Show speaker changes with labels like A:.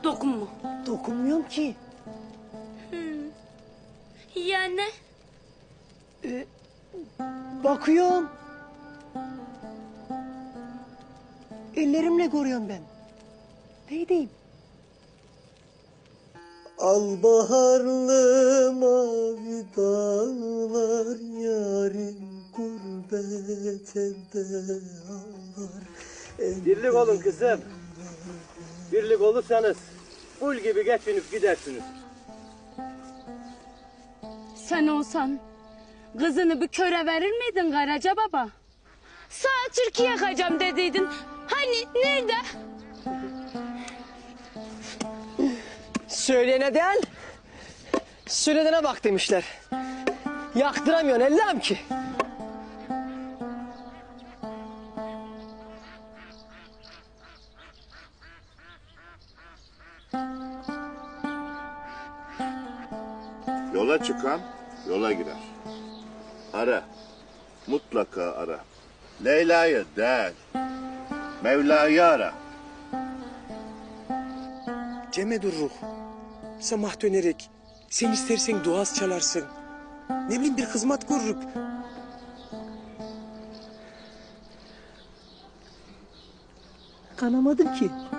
A: Dokunma.
B: Dokunmuyorum ki.
A: Yani?
B: Bakıyorum. Ellerimle görüyorum ben. Ne diyeyim? Al baharlı mavi dağlar, yarim gurbet elde ağlar.
C: Birlik olun kızım. Birlik olursanız kul gibi geçinip gidersiniz.
A: Sen olsan kızını bir köre verir miydin Karaca baba? Sağ Türkiye yakacağım dediydin. Hani nerede?
B: Söyleyene değil, söylenene bak demişler. Yaktıramıyorsun Allah'ım ki.
D: Yola çıkan yola girer. Ara. Mutlaka ara. Leyla'yı değil, Mevla'yı ara.
E: Cem'e dur ruh. Samah dönerek. Sen istersen duaz çalarsın. Ne bileyim bir hizmet görürük.
B: Kanamadım ki.